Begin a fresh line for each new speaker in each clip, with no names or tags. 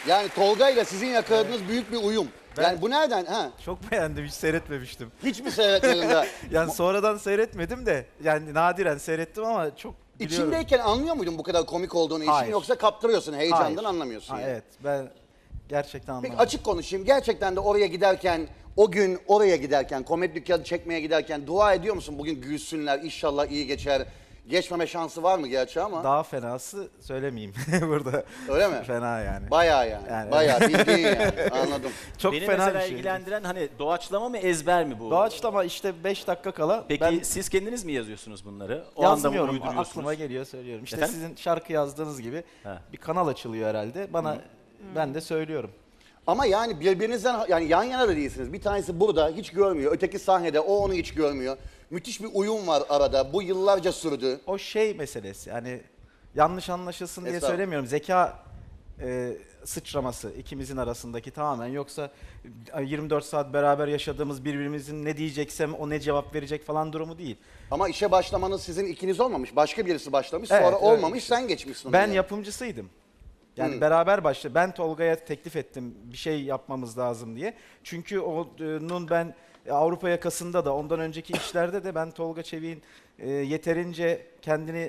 Yani Tolga ile sizin yakaladığınız büyük bir uyum. Yani bu nereden? Ha?
Çok beğendim, hiç seyretmemiştim.
Hiç mi seyretmedin daha?
Yani sonradan seyretmedim de, yani nadiren seyrettim ama çok biliyorum.
İçindeyken anlıyor muydun bu kadar komik olduğunu işin,
Hayır.
yoksa kaptırıyorsun, heyecandan
Hayır.
anlamıyorsun
Ha,
yani.
evet, ben gerçekten
Peki
anlamadım.
açık konuşayım, gerçekten de oraya giderken, o gün oraya giderken, komedi dükkanı çekmeye giderken dua ediyor musun? Bugün gülsünler, inşallah iyi geçer. Geçmeme şansı var mı gerçi ama?
Daha fenası söylemeyeyim burada.
Öyle mi?
Fena yani.
Bayağı yani,
Yani-
bayağı bildiğin yani, anladım.
Çok
Beni
fena
mesela
bir şey.
ilgilendiren hani doğaçlama mı ezber mi bu?
Doğaçlama işte 5 dakika kala
Peki
ben
siz kendiniz mi yazıyorsunuz bunları? O anda mı
yazmıyorum,
uyduruyorsunuz?
aklıma geliyor söylüyorum. İşte
Efendim?
sizin şarkı yazdığınız gibi
Ha.
bir kanal açılıyor herhalde. Bana ben de söylüyorum.
Ama yani birbirinizden, yani yan yana da değilsiniz. Bir tanesi burada hiç görmüyor, öteki sahnede, o onu hiç görmüyor. Müthiş bir uyum var arada, bu yıllarca sürdü.
O şey meselesi, yani yanlış anlaşılsın diye
Estağfurullah.
söylemiyorum. Zeka sıçraması ikimizin arasındaki tamamen, yoksa 24 saat beraber yaşadığımız, birbirimizin ne diyeceksem o ne cevap verecek falan durumu değil.
Ama işe başlamanız sizin ikiniz olmamış, başka birisi başlamış,
Evet,
sonra
öyle
olmamış,
işte.
sen geçmişsin.
Ben
onu.
yapımcısıydım. Yani beraber başladı. Ben Tolga'ya teklif ettim bir şey yapmamız lazım diye. Çünkü onun ben Avrupa yakasında da ondan önceki işlerde de ben Tolga Çevik'in yeterince kendini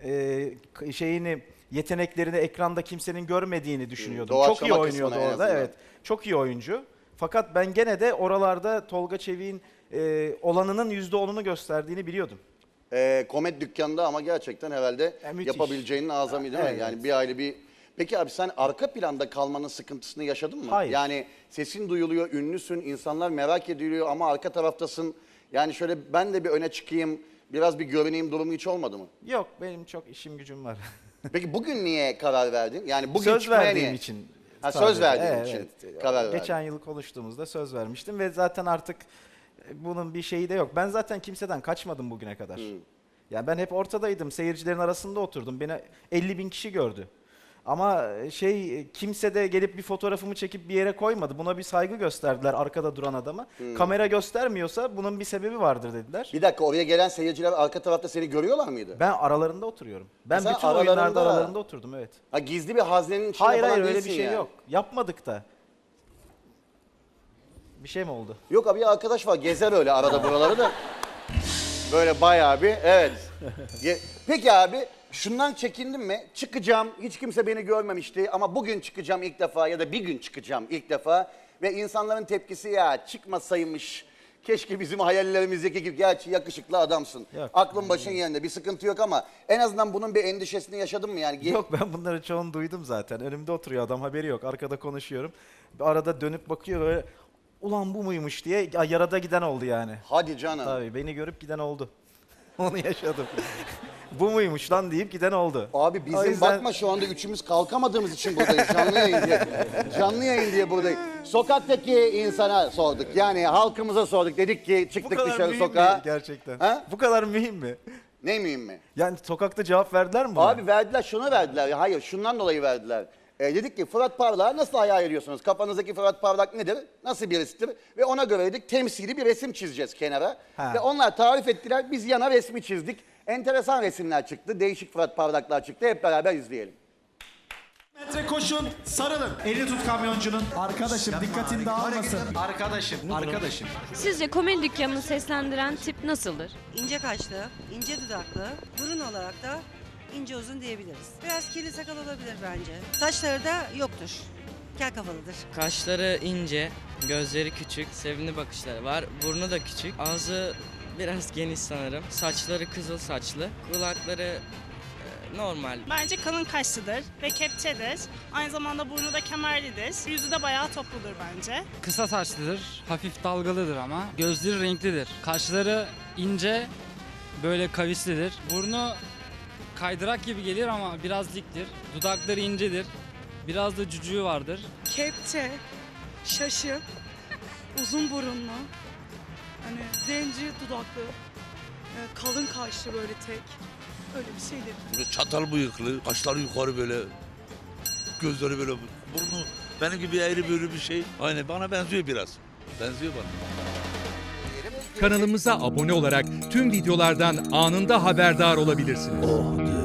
yeteneklerini ekranda kimsenin görmediğini düşünüyordum. Çok iyi
Doğaçlama
oynuyordu
kısmına en
orada.
azından.
Evet. Çok iyi oyuncu. Fakat ben gene de oralarda Tolga Çevik'in olanının %10'unu gösterdiğini biliyordum.
Komedi dükkanında ama gerçekten herhalde
Müthiş.
yapabileceğinin azami değil mi?
Evet.
Yani bir aile bir... Peki abi sen arka planda kalmanın sıkıntısını yaşadın mı?
Hayır.
Yani sesin duyuluyor, ünlüsün, insanlar merak ediliyor ama arka taraftasın. Yani şöyle ben de bir öne çıkayım, biraz bir görüneyim durumu hiç olmadı mı?
Yok, benim çok işim gücüm var.
Peki bugün niye karar verdin? Yani bugün
Söz
çıkmaya
verdiğim
niye?
için.
Ha, söz
sadece.
verdiğin için karar verdin.
Geçen yıl konuştuğumuzda söz vermiştim ve zaten artık bunun bir şeyi de yok. Ben zaten kimseden kaçmadım bugüne kadar. Yani ben hep ortadaydım, seyircilerin arasında oturdum. Beni 50.000 kişi gördü. Ama kimse de gelip bir fotoğrafımı çekip bir yere koymadı. Buna bir saygı gösterdiler arkada duran adama. Kamera göstermiyorsa bunun bir sebebi vardır dediler.
Bir dakika, oraya gelen seyirciler arka tarafta seni görüyorlar mıydı?
Ben aralarında oturuyorum. Ben
Sen
bütün oyunlarda
aralarında-
aralarında oturdum, evet.
Ha, gizli bir haznenin içinde
Hayır
falan
hayır, öyle bir
değilsin
şey
yani.
yok. Yapmadık da. Bir şey mi oldu?
Yok abi, bir arkadaş var gezer öyle arada buraları da. Böyle bayağı bir, evet. Peki abi, şundan çekindin mi? Çıkacağım, hiç kimse beni görmemişti ama bugün çıkacağım ilk defa ya da bir gün çıkacağım ilk defa. Ve insanların tepkisi, ya çıkmasaymış, keşke bizim hayallerimizdeki gibi, gerçi yakışıklı adamsın.
Yok.
Aklın başın yerinde, bir sıkıntı yok ama en azından bunun bir endişesini yaşadın mı yani?
Yok, ben bunların çoğunu duydum zaten. Önümde oturuyor adam, haberi yok. Arkada konuşuyorum. Arada dönüp bakıyor böyle, ulan bu muymuş diye yarada giden oldu yani.
Hadi canım.
Tabii beni görüp giden oldu. Onu yaşadım. Bu muymuş lan deyip giden oldu.
Abi
O
bizim
yüzden-
bakma şu anda üçümüz kalkamadığımız için buradayız. Canlı yayın diye. Canlı yayın diye buradayız. Sokaktaki insana sorduk. Yani halkımıza sorduk. Dedik ki
Bu
çıktık
kadar
dışarı
mühim
sokağa.
mi gerçekten?
Ha?
Bu kadar mühim mi?
Ne mühim mi?
Yani sokakta cevap verdiler mi buna?
Abi verdiler, şunu verdiler. Hayır, şundan dolayı verdiler. Dedik ki Fırat Parlak'ı nasıl hayal ediyorsunuz? Kafanızdaki Fırat Parlak nedir? Nasıl birisidir? Ve ona göre dedik temsili bir resim çizeceğiz kenara.
Ha.
Ve onlar tarif ettiler. Biz yana resmi çizdik. Enteresan resimler çıktı. Değişik Fırat Parlaklar çıktı. Hep beraber izleyelim.
Metre koşun, sarılın. Eli tut kamyoncunun. Arkadaşım dikkatin dağılmasın.
Arkadaşım.
Sizce komedi dükkanını seslendiren tip nasıldır?
İnce kaşlı, ince dudaklı, burun olarak da ince uzun diyebiliriz. Biraz kirli sakal olabilir bence. Saçları da yoktur. Kel kafalıdır.
Kaşları ince, gözleri küçük, sevimli bakışları var. Burnu da küçük, ağzı biraz geniş sanırım. Saçları kızıl saçlı, kulakları normal.
Bence kalın kaşlıdır ve kepçedir. Aynı zamanda burnu da kemerlidir. Yüzü de bayağı topludur bence.
Kısa saçlıdır, hafif dalgalıdır ama. Gözleri renklidir. Kaşları ince, böyle kavislidir. Burnu kaydırak gibi gelir ama biraz diktir. Dudakları incedir. Biraz da cücüğü vardır.
Kepçe, şaşı, uzun burunlu, hani zenci dudaklı, kalın kaşlı böyle tek. Öyle bir şeydir.
Böyle çatal bıyıklı, kaşları yukarı böyle, gözleri böyle, burnu benim gibi eğri büğrü bir şey. Aynen bana benziyor biraz. Benziyor bana.
Kanalımıza abone olarak tüm videolardan anında haberdar olabilirsiniz.